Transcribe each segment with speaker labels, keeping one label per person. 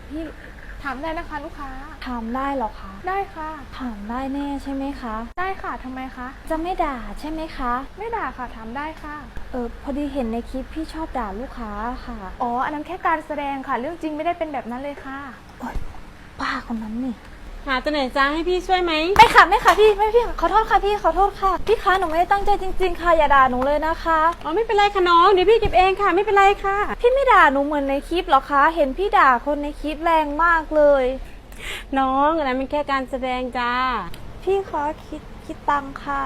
Speaker 1: พี่ถามได้นะคะลูกค้า
Speaker 2: ถามได้หรอคะ
Speaker 1: ได้ค่ะ
Speaker 2: ถามได้แน่ใช่ไหมคะ
Speaker 1: ได้ค่ะทำไมคะ
Speaker 2: จะไม่ด่าใช่ไหมคะ
Speaker 1: ไม่ด่าค่ะถามได้ค่ะ
Speaker 2: พอดีเห็นในคลิปพี่ชอบด่าลูกค้าค่ะ
Speaker 1: อ๋ออันนั้นแค่การแสดงค่ะเรื่องจริงไม่ได้เป็นแบบนั้นเลยค่ะ
Speaker 2: โอ๊ยป้าคนนั้นนี่
Speaker 3: หาตัวไหนจ้าให้พี่ช่วยไหม
Speaker 2: ไม่ค่ะไม่ค่ะพี่ไม่พี่ขอโทษค่ะพี่ขอโทษค่ะพี่คะหนูไม่ได้ตั้งใจจริงๆค่ะอย่าด่าหนูเลยนะคะ
Speaker 3: อ๋อไม่เป็นไรค่ะน้องเดี๋ยวพี่เก็บเองค่ะไม่เป็นไรค่ะ
Speaker 2: พี่ไม่ด่าหนูเหมือนในคลิปหรอคะเห็นพี่ด่าคนในคลิปแรงมากเลย
Speaker 3: น้องอันนั้นเป็นแค่การแสดงจ้า
Speaker 2: พี่คะคิดตังค่ะ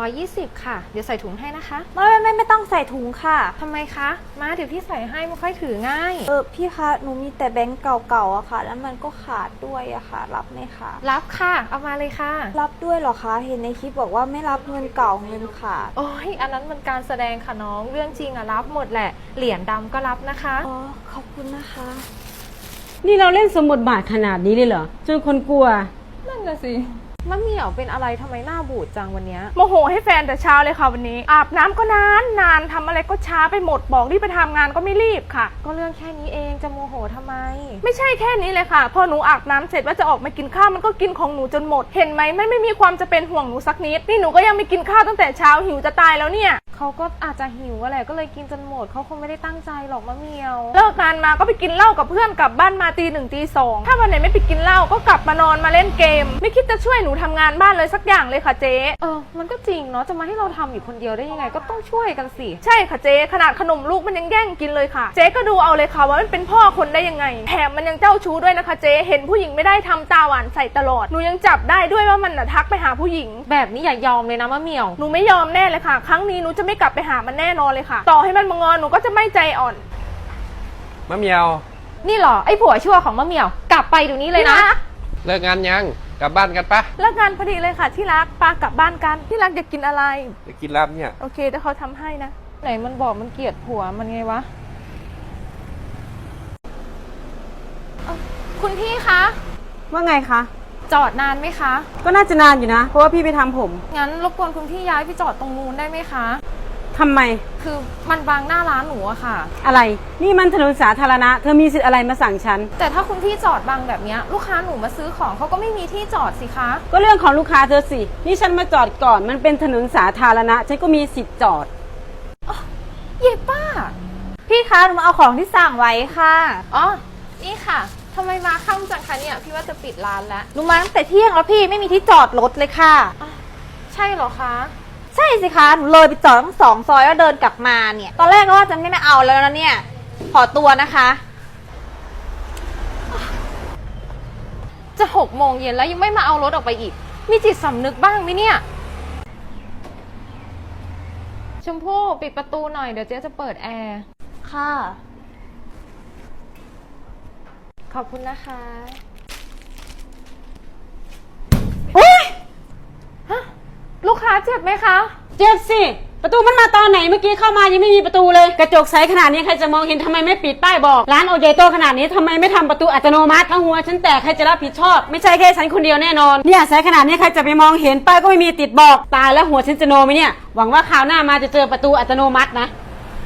Speaker 1: 320ค่ะเดี๋ยวใส่ถุงให้นะคะ
Speaker 2: ไม่ต้องใส่ถุงค่ะ
Speaker 1: ทำไมคะมาเดี๋ยวพี่ใส่ให้ไม่ค่อยถือง่าย
Speaker 2: พี่คะหนูมีแต่แบงก์เก่าๆอะค่ะแล้วมันก็ขาดด้วยอะค่ะรับไหมคะ
Speaker 1: รับค่ะเอามาเลยค่ะ
Speaker 2: รับด้วยเหรอคะเห็นในคลิปบอกว่าไม่รับเงินเก่าเงินขาด
Speaker 1: โอ้ยอันนั้นมันการแสดงค่ะน้องเรื่องจริงอะรับหมดแหละเหรียญดำก็รับนะคะ
Speaker 2: อ๋อขอบคุณนะคะ
Speaker 3: นี่เราเล่นสมบทบาทขนาดนี้เลยเหรอจนคนกลัว
Speaker 1: นั่นน่ะสิมะเหมี่ยวเป็นอะไรทำไมหน้าบูดจังวันนี้โมโหให้แฟนแต่เช้าเลยค่ะวันนี้อาบน้ำก็นานทำอะไรก็ช้าไปหมดบอกรีบไปทำงานก็ไม่รีบค่ะก็เรื่องแค่นี้เองจะโมโหทำไมไม่ใช่แค่นี้เลยค่ะพอหนูอาบน้ำเสร็จว่าจะออกมากินข้าวมันก็กินของหนูจนหมดเห็นไหมไม่มีความจะเป็นห่วงหนูสักนิดนี่หนูก็ยังไม่กินข้าวตั้งแต่เช้าหิวจะตายแล้วเนี่ยเขาก็อาจจะหิวแหละก็เลยกินจนหมดเขาคงไม่ได้ตั้งใจหรอกมะเหมี่ยวเลิกงานมาก็ไปกินเหล้ากับเพื่อนกลับบ้านมาตี 1ตี 2ถ้าวันไหนไม่ไปกินเหล้าก็กลับมานอนมาเล่นเกมไม่คิดจะช่วยหนูทำงานบ้านเลยสักอย่างเลยค่ะเจ๊มันก็จริงเนาะจะมาให้เราทำอยู่คนเดียวได้ยังไงก็ต้องช่วยกันสิใช่ค่ะเจ๊ขนาดขนมลูกมันยังแย่งกินเลยค่ะเจ๊ก็ดูเอาเลยค่ะว่ามันเป็นพ่อคนได้ยังไงแถมมันยังเจ้าชู้ด้วยนะคะเจ๊เห็นผู้หญิงไม่ได้ทำตาหวานใส่ตลอดหนูยังจับได้ด้วยว่ามันน่ะทักไปหาผู้หญิงแบบนี้อย่ายอมเลยนะมะเหมี่ยวหนูไม่ยอมแน่เลยค่ะครั้งนี้หนูจะไม่กลับไปหามันแน่นอนเลยค่ะต่อให้มันมางอนหนูก็จะไม่ใจอ่อน
Speaker 4: มะเหมียว
Speaker 1: นี่หรอไอ้ผัวชั่วของมะเหมี่ยวกลับไปเดี๋ยวนี้เลยนะ
Speaker 4: เลิกงานยังกลับบ้านกันปะ
Speaker 1: เลิกงานพอดีเลยค่ะที่รักปากลับบ้านกันที่รักอยากกินอะไร
Speaker 4: จะกินลาบเนี่ย
Speaker 1: โอเคเดี๋ยวเขาทำให้นะไหนมันบอกมันเกลียดผัวมันไงวะคุณพี่คะ
Speaker 3: ว่าไงคะ
Speaker 1: จอดนานไหมคะ
Speaker 3: ก็น่าจะนานอยู่นะเพราะว่าพี่ไปทำผม
Speaker 1: งั้นรบกวนคุณพี่ย้ายไปจอดตรงนู้นได้ไหมคะ
Speaker 3: ทำไม
Speaker 1: คือมันบังหน้าร้านหนูอะค่ะ
Speaker 3: อะไรนี่มันถนนสาธารณะเธอมีสิทธิ์อะไรมาสั่งฉัน
Speaker 1: แต่ถ้าคุณพี่จอดบังแบบนี้ลูกค้าหนูมาซื้อของเขาก็ไม่มีที่จอดสิคะ
Speaker 3: ก็เรื่องของลูกค้าเธอสินี่ฉันมาจอดก่อนมันเป็นถนนสาธารณะฉันก็มีสิทธิ์จอด
Speaker 1: เย่ป้า
Speaker 2: พี่คะหนูมาเอาของที่สั่งไว้ค่ะ
Speaker 1: อ๋อนี่ค่ะทำไมมาค่ำจังคะเนี่ยพี่ว่าจะปิดร้านแล้ว
Speaker 2: หนูมาตั้งแต่เที่ยงแล้วพี่ไม่มีที่จอดรถเลยค่ะ
Speaker 1: ใช่เหรอคะ
Speaker 2: ใช่สิคะหนูเลยไปจอดทั้ง2 ซอยแล้วเดินกลับมาเนี่ยตอนแรกก็ว่าจะไม่เอาแล้วนะเนี่ยขอตัวนะคะ
Speaker 1: จะ6 โมงเย็นแล้วยังไม่มาเอารถออกไปอีกมีจิตสำนึกบ้างไหมเนี่ยชมพู่ปิดประตูหน่อยเดี๋ยวเจ๊จะเปิดแอร์
Speaker 2: ค่ะ
Speaker 1: ขอบคุณนะคะลูกค้าเจ็บไหมคะ
Speaker 3: เจ็บสิประตูมันมาตอนไหนเมื่อกี้เข้ามายังไม่มีประตูเลยกระจกใสขนาดนี้ใครจะมองเห็นทำไมไม่ปิดป้ายบอกร้านโอเยโตขนาดนี้ทำไมไม่ทำประตูอัตโนมัติถ้าหัวฉันแตกใครจะรับผิดชอบไม่ใช่แค่ฉันคนเดียวแน่นอนเนี่ยใสขนาดนี้ใครจะไปมองเห็นป้ายก็ไม่มีติดบอกตายแล้วหัวฉันจะโนไหมเนี่ยหวังว่าคราวหน้ามาจะเจอประตูอัตโนมัตินะ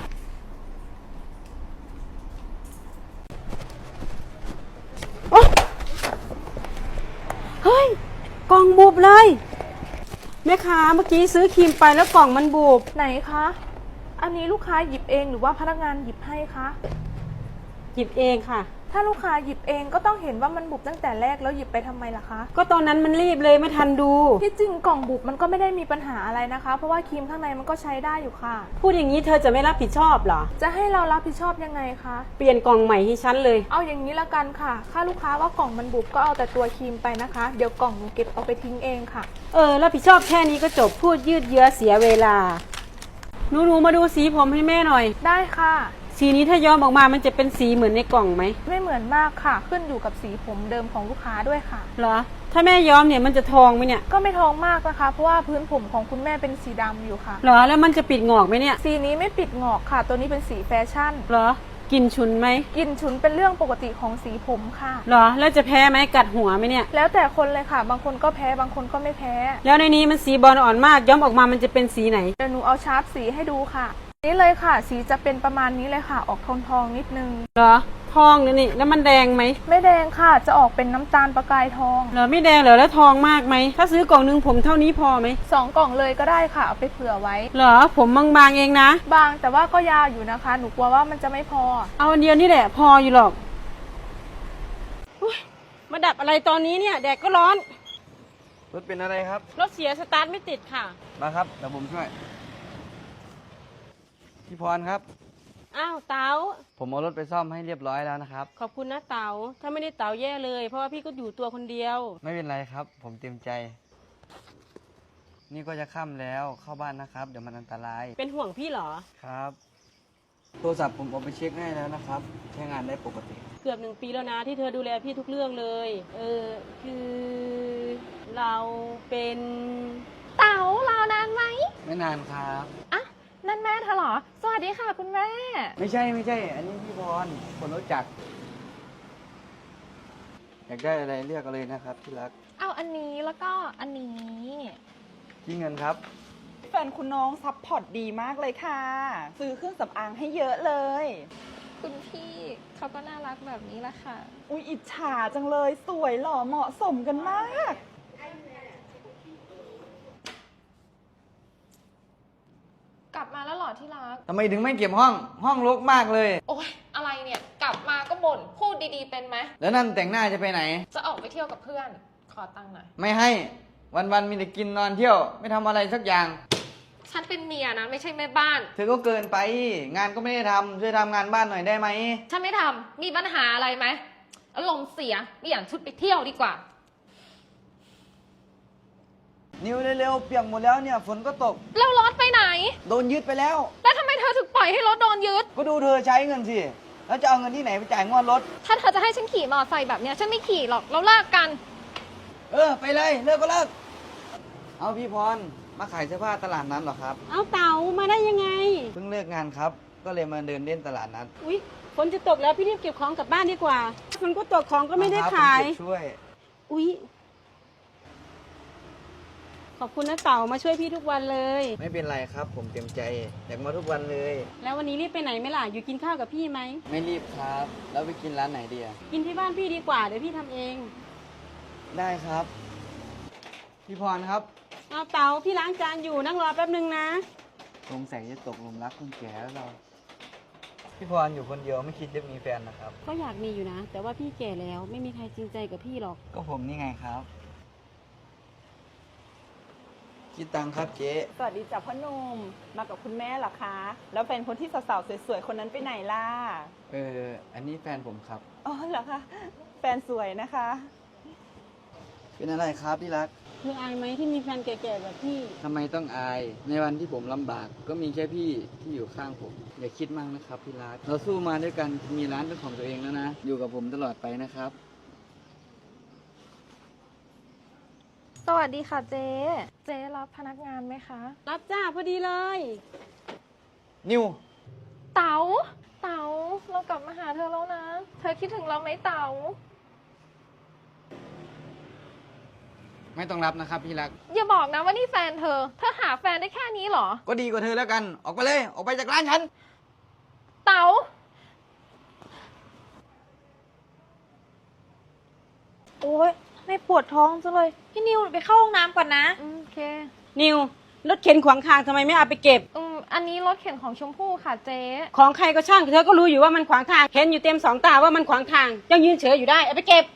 Speaker 3: เฮ้ยกล่องบุบเลยแม่ค้าเมื่อกี้ซื้อครีมไปแล้วกล่องมันบุบ
Speaker 1: ไหนคะอันนี้ลูกค้าหยิบเองหรือว่าพนักงานหยิบให้คะ
Speaker 3: หยิบเองค่ะ
Speaker 1: ถ้าลูกค้าหยิบเองก็ต้องเห็นว่ามันบุบตั้งแต่แรกแล้วหยิบไปทำไมล่ะคะ
Speaker 3: ก็ตอนนั้นมันรีบเลยไม่ทันดู
Speaker 1: ที่จริงกล่องบุบมันก็ไม่ได้มีปัญหาอะไรนะคะเพราะว่าครีมข้างในมันก็ใช้ได้อยู่ค่ะ
Speaker 3: พูดอย่างนี้เธอจะไม่รับผิดชอบเหรอ
Speaker 1: จะให้เรารับผิดชอบยังไงคะ
Speaker 3: เปลี่ยนกล่องใหม่ให้ฉันเลย
Speaker 1: เอาอย่างนี้ละกันค่ะถ้าลูกค้าว่ากล่องมันบุบก็เอาแต่ตัวครีมไปนะคะเดี๋ยวกล่องหนูเก็บเอาไปทิ้งเองค่ะ
Speaker 3: รับผิดชอบแค่นี้ก็จบพูดยืดเยื้อเสียเวลาหนูมาดูสีผมให้แม่หน่อย
Speaker 1: ได้ค่ะ
Speaker 3: สีนี้ถ้าย้อมออกมามันจะเป็นสีเหมือนในกล่องไหม
Speaker 1: ไม่เหมือนมากค่ะขึ้นอยู่กับสีผมเดิมของลูกค้าด้วยค่ะ
Speaker 3: เหรอถ้าแม่ย้อมเนี่ยมันจะทองไหมเนี่ย
Speaker 1: ก็ไม่ทองมากนะคะเพราะว่าพื้นผมของคุณแม่เป็นสีดำอยู่ค่ะ
Speaker 3: เหรอแล้วมันจะปิดงอกไหมเนี่ย
Speaker 1: สีนี้ไม่ปิดงอกค่ะตัวนี้เป็นสีแฟชั่น
Speaker 3: เหรอกลิ่นฉุนไหม
Speaker 1: กลิ่นฉุนเป็นเรื่องปกติของสีผมค่ะ
Speaker 3: เหรอแล้วจะแพ้ไหมกัดหัวไหมเนี่ย
Speaker 1: แล้วแต่คนเลยค่ะบางคนก็แพ้บางคนก็ไม่แพ้
Speaker 3: แล้วในนี้มันสีบอลอ่อนมากย้อมออกมามันจะเป็นสีไหน
Speaker 1: เดี๋ยวหนูเอาชาร์ปสีให้ดูค่ะนี่เลยค่ะสีจะเป็นประมาณนี้เลยค่ะออกทองนิดนึง
Speaker 3: เหรอทองเนี่ยนี่แล้วมันแดงไหม
Speaker 1: ไม่แดงค่ะ จะออกเป็นน้ำตาลประกายทอง
Speaker 3: เหรอไม่แดงเหรอแล้วทองมากไหมถ้าซื้อกล่องนึงผมเท่านี้พอไหม
Speaker 1: 2 กล่องเลยก็ได้ค่ะ เอาไปเผื่อไว้
Speaker 3: เหรอผมบางๆเองนะ
Speaker 1: บางแต่ว่าก็ยาวอยู่นะคะ หนูกลัวว่ามันจะไม่พอ
Speaker 3: เอาอันเดียวนี่แหละพออยู่หรอกอุ๊ยมาดับอะไรตอนนี้เนี่ยแดดก็ร้อน
Speaker 4: รถเป็นอะไรครับ
Speaker 3: รถเสียสตาร์ทไม่ติดค่ะ
Speaker 4: มาครับเดี๋ยวผมช่วย พี่พรครับ
Speaker 3: อ้าวเต๋า
Speaker 4: ผมเอารถไปซ่อมให้เรียบร้อยแล้วนะครับ
Speaker 3: ขอบคุณนะเต๋าถ้าไม่ได้เต๋าแย่เลย เพราะว่าพี่ก็อยู่ตัวคนเดียว
Speaker 4: ไม่เป็นไรครับ ผมเต็มใจ นี่ก็จะค่ำแล้วเข้าบ้านนะครับ เดี๋ยวมันอันตราย
Speaker 3: เป็นห่วงพี่เหรอ
Speaker 4: ครับ โทรศัพท์ผมเอาไปเช็คให้แล้วนะครับ ใช้งานได้ปกติ
Speaker 3: เกือบ1 ปีแล้วนะที่เธอดูแลพี่ทุกเรื่องเลย คือเราเป็น
Speaker 1: เต๋ารอนานไหม
Speaker 4: ไม่นานครับ
Speaker 1: อ่ะนั่นแม่เธอเหรอ สวัสดีค่ะคุณแม่
Speaker 4: ไม่ใช่ อันนี้พี่พร คนรู้จัก อยากได้อะไรเลือกเอาเลยนะครับที่รัก
Speaker 1: เอาอันนี้แล้วก็อันนี้
Speaker 4: ที่เงินครับ
Speaker 5: แฟนคุณน้องซัพพอร์ตดีมากเลยค่ะ ซื้อเครื่องสำอางให้เยอะเลย
Speaker 1: คุณพี่เขาก็น่ารักแบบนี้แหละค่ะ
Speaker 5: อุ๊ยอิจฉาจังเลย สวยหล่อเหมาะสมกันมาก
Speaker 1: กลับมาแล้วเหรอที่รัก
Speaker 4: ทำไมถึงไม่เก็บห้องรกมากเลย
Speaker 1: โอ๊ยอะไรเนี่ย กลับมาก็บ่นพูดดีๆเป็นไหม
Speaker 4: แล้วนั่นแต่งหน้าจะไปไหน
Speaker 1: จะออกไปเที่ยวกับเพื่อน ขอตังค์หน่อย
Speaker 4: ไม่ให้ วันมีแต่กินนอนเที่ยว ไม่ทำอะไรสักอย่าง
Speaker 1: ฉันเป็นเมียนะไม่ใช่แม่บ้าน
Speaker 4: เธอก็เกินไป งานก็ไม่ได้ทำช่วยทำงานบ้านหน่อยได้ไหม
Speaker 1: ฉันไม่ทำมีปัญหาอะไรไหมอารมณ์เสียเปลี่ยนชุดไปเที่ยวดีกว่า
Speaker 4: นิวเร็วๆเปียกหมดแล้วเนี่ยฝนก็ตก
Speaker 1: แล้วรถไปไหน
Speaker 4: โดนยึดไปแล้ว
Speaker 1: แล้วทำไมเธอถึงปล่อยให้รถโดนยึด
Speaker 4: ก็ดูเธอใช้เงินสิ แล้วจะเอาเงินที่ไหนไปจ่ายงวดรถ
Speaker 1: ถ้าเธอจะให้ฉันขี่มอเตอร์ไซค์แบบเนี้ยฉันไม่ขี่หรอกเราเลิกกัน
Speaker 4: ไปเลยเลิกก็เลิก เอาพี่พร มาขายเสื้อผ้าตลาดนัดเหรอครับ
Speaker 3: เอาเต๋ามาได้ยังไง
Speaker 4: เพิ่งเลิกงานครับ ก็เลยมาเดินเล่นตลาดนัด
Speaker 3: อุ๊ยฝนจะตกแล้วพี่รีบเก็บของกลับบ้านดีกว่าฝนก็ตกของก็ไม่ได้
Speaker 4: ครับ
Speaker 3: ขาย
Speaker 4: ผมเก็บช่วย
Speaker 3: อุ๊ยขอบคุณนะเต๋ามาช่วยพี่ทุกวันเลย
Speaker 4: ไม่เป็นไรครับ ผมเต็มใจ อยากมาทุกวันเลย
Speaker 3: แล้ววันนี้รีบไปไหนไหมล่ะอยู่กินข้าวกับพี่ไหม
Speaker 4: ไม่รีบครับ แล้วไปกินร้านไหนดีอะ
Speaker 3: กินที่บ้านพี่ดีกว่าเดี๋ยวพี่ทำเอง
Speaker 4: ได้ครับ พี่พรครับ
Speaker 3: เอาเต๋าพี่ล้างจานอยู่นั่งรอแป๊บนึงนะ
Speaker 4: สงสัยจะตกหลุมรักคนแก่แล้วเรา พี่พรอยู่คนเดียวไม่คิดจะมีแฟนนะครับ
Speaker 3: ก็อยากมีอยู่นะ แต่ว่าพี่แก่แล้วไม่มีใครจริงใจกับพี่หรอก
Speaker 4: ก็ผมนี่ไงครับ คิดตังค์ครับเจ๊
Speaker 5: สวัสดีจ้ะพ่อหนุ่ม มากับคุณแม่เหรอคะ แล้วแฟนคนที่สาวๆสวยๆคนนั้นไปไหนล่ะ
Speaker 4: อันนี้แฟนผมครับ
Speaker 5: อ๋อเหรอคะ แฟนสวยนะคะ
Speaker 4: เป็นอะไรครับที่รัก
Speaker 3: เธออายไหมที่มีแฟนแก่ๆแบบพี่
Speaker 4: ทำไมต้องอาย ในวันที่ผมลำบาก ก็มีแค่พี่ที่อยู่ข้างผม อย่าคิดมากนะครับพี่รัก เราสู้มาด้วยกัน มีร้านเป็นของตัวเองแล้วนะ อยู่กับผมตลอดไปนะครับ
Speaker 1: สวัสดีค่ะเจ๊ เจ๊รับพนักงานไหมคะ
Speaker 3: รับจ้าพอดีเลย
Speaker 4: นิว
Speaker 1: เต๋าเรากลับมาหาเธอแล้วนะ เธอคิดถึงเราไหมเต๋า
Speaker 4: ไม่ต้องรับนะครับพี่รัก
Speaker 1: อย่าบอกนะว่านี่แฟนเธอ เธอหาแฟนได้แค่นี้เหรอ
Speaker 4: ก็ดีกว่าเธอแล้วกัน ออกไปเลย ออกไปจากร้านฉัน
Speaker 1: เต๋า
Speaker 2: โอ๊ยไม่ปวดท้องจังเลย พี่นิวไปเข้าห้องน้ำก่อนนะ
Speaker 1: โอเค
Speaker 3: นิวรถเข็นขวางทางทำไมไม่เอาไปเก็บ
Speaker 1: อันนี้รถเข็นของชมพู่ค่ะเจ๊
Speaker 3: ของใครก็ช่างเธอก็รู้อยู่ว่ามันขวางทางเห็นอยู่เต็มสองตาว่ามันขวางทางยังยืนเฉยอยู่ได้เอาไปเก็บ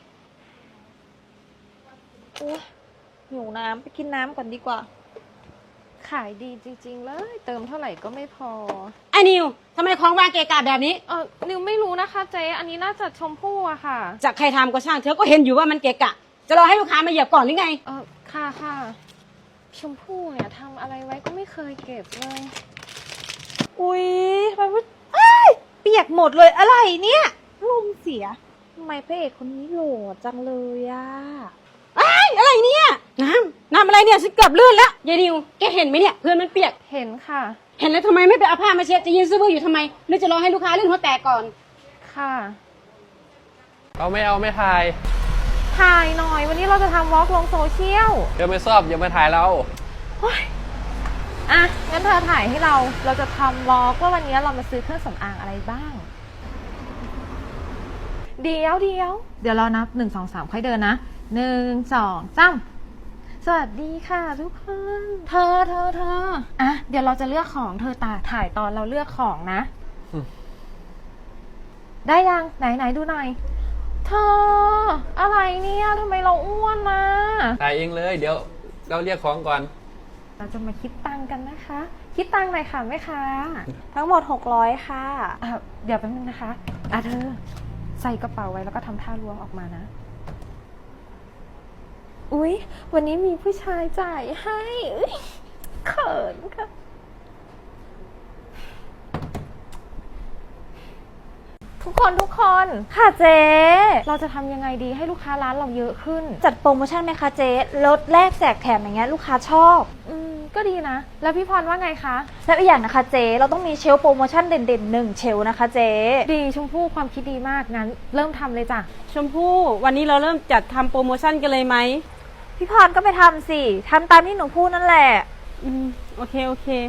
Speaker 2: โอ๊ยหิวน้ำไปกินน้ำก่อนดีกว่า
Speaker 1: ขายดีจริงๆเลย เติมเท่าไหร่ก็ไม่พอ
Speaker 3: ไอ้นิวทำไมของวางเกะกะแบบนี้
Speaker 1: นิวไม่รู้นะคะเจ๊ อันนี้น่าจะชมพู่อะค่ะ
Speaker 3: จากใครทำก็ช่างเธอก็เห็นอยู่ว่ามันเกะกะ จะรอให้ลูกค้ามาเหยียบก่อนหรือไง
Speaker 1: ค่ะ ชมพู่เนี่ยทำอะไรไว้ก็ไม่เคยเก็บเลย
Speaker 2: อุ๊ยทำไมพูดอ้ายเปียกหมดเลยอะไรเนี่ยลมเสียทำไมพระเอกคนนี้โหล่จังเลยอะ
Speaker 3: อะไรเนี่ยน้ำอะไรเนี่ยฉันเกือบลื่นแล้วยายนิวแกเห็นไหมเนี่ยเพื่อนมันเปียก
Speaker 1: เห็นค่ะ
Speaker 3: เห็นแล้วทำไมไม่ไปเอาผ้ามาเช็ดจะยืนซื้อบื้ออยู่ทำไมหรือจะรอให้ลูกค้าลื่นหัวแตกก่อน
Speaker 1: ค่ะ
Speaker 4: เอาไม่ถ่าย
Speaker 1: ถ่ายหน่อยวันนี้เราจะทำวอล์กลงโซเชียล
Speaker 4: เดี๋ยวไม่ชอบอย่ามาถ่ายเรา
Speaker 1: อ่ะ งั้นเธอถ่ายให้เราจะทำวอล์กว่าวันนี้เรามาซื้อเครื่องสำอางอะไรบ้างเดี๋ยวเรานับ1 2 3ค่อยเดินนะ1 2 3สวัสดีค่ะทุกคนเธออ่ะเดี๋ยวเราจะเลือกของเธอถ่ายตอนเราเลือกของนะ ได้ยังไหนดูหน่อยเธออะไรเนี่ยทำไมเราอ้วนนะ
Speaker 6: ถ่ายเองเลย เดี๋ยวเราเรียกของก่อน
Speaker 1: เราจะมาคิดตังค์กันนะคะ คิดตังค์หน่อยค่ะแม่ค้า
Speaker 2: ทั้งหมด600ค่ะ
Speaker 1: เดี๋ยวแป๊บนึงนะคะเธอใส่กระเป๋าไว้แล้วก็ทำท่าล้วงออกมานะ อุ๊ยวันนี้มีผู้ชายจ่ายให้อุ๊ยเขินค่ะทุกคน
Speaker 2: ค่ะเจ๊
Speaker 1: เราจะทำยังไงดีให้ลูกค้าร้านเราเยอะขึ้น
Speaker 2: จัดโปรโมชั่นไหมคะเจ๊ลดแลกแจกแถมอย่างเงี้ยลูกค้าชอบ
Speaker 1: ก็ดีนะ แล้วพี่พรว่าไงคะ
Speaker 2: แล้วอีกอย่างนะคะเจ๊เราต้องมีเชลฟ์โปรโมชั่นเด่นๆ1เชลฟ์นะคะเจ๊
Speaker 1: ดีชมพู่ความคิดดีมากงั้นเริ่มทำเลยจ้ะ
Speaker 3: ชมพู่วันนี้เราเริ่มจัดทำโปรโมชั่นกันเลยไหม
Speaker 2: พี่พรก็ไปทำสิทำตามที่หนูพูดนั่นแหละ
Speaker 3: โอเค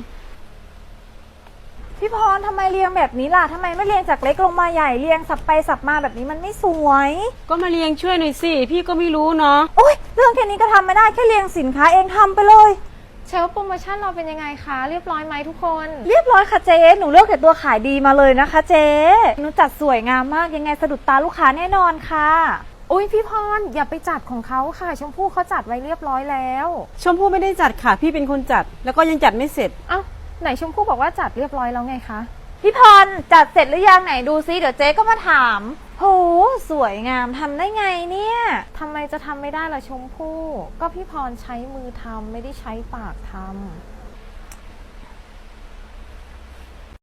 Speaker 2: พี่พรทำไมเรียงแบบนี้ล่ะทำไมไม่เรียงจากเล็กลงมาใหญ่เรียงสับไปสับมาแบบนี้มันไม่สวย
Speaker 3: ก็มาเรียงช่วยหน่อยสิพี่ก็ไม่รู้เนาะ
Speaker 2: โอ๊ยเรื่องแค่นี้ก็ทำไม่ได้แค่เรียงสินค้าเองทำไปเลย
Speaker 1: เชลฟ์โปรโมชั่นเราเป็นยังไงคะเรียบร้อยไหมทุกคน
Speaker 2: เรียบร้อยค่ะเจ๊หนูเลือกแต่ตัวขายดีมาเลยนะคะเจ๊หนูจัดสวยงามมากยังไงสะดุดตาลูกค้าแน่นอนค่ะ
Speaker 1: อุ๊ยพี่พรอย่าไปจัดของเขาค่ะ ชมพู่เขาจัดไว้เรียบร้อยแล้ว
Speaker 3: ชมพู่ไม่ได้จัดค่ะพี่เป็นคนจัดแล้วก็ยังจัดไม่เสร็จ
Speaker 1: เอ้าไหนชมพู่บอกว่าจัดเรียบร้อยแล้วไงคะ
Speaker 2: พี่พรจัดเสร็จหรือยังไหนดูซิเดี๋ยวเจ๊ก็มาถามโหสวยงามทำได้ไงเนี่ย
Speaker 1: ทำไมจะทำไม่ได้ล่ะชมพู่ก็พี่พรใช้มือทำไม่ได้ใช้ปากทำ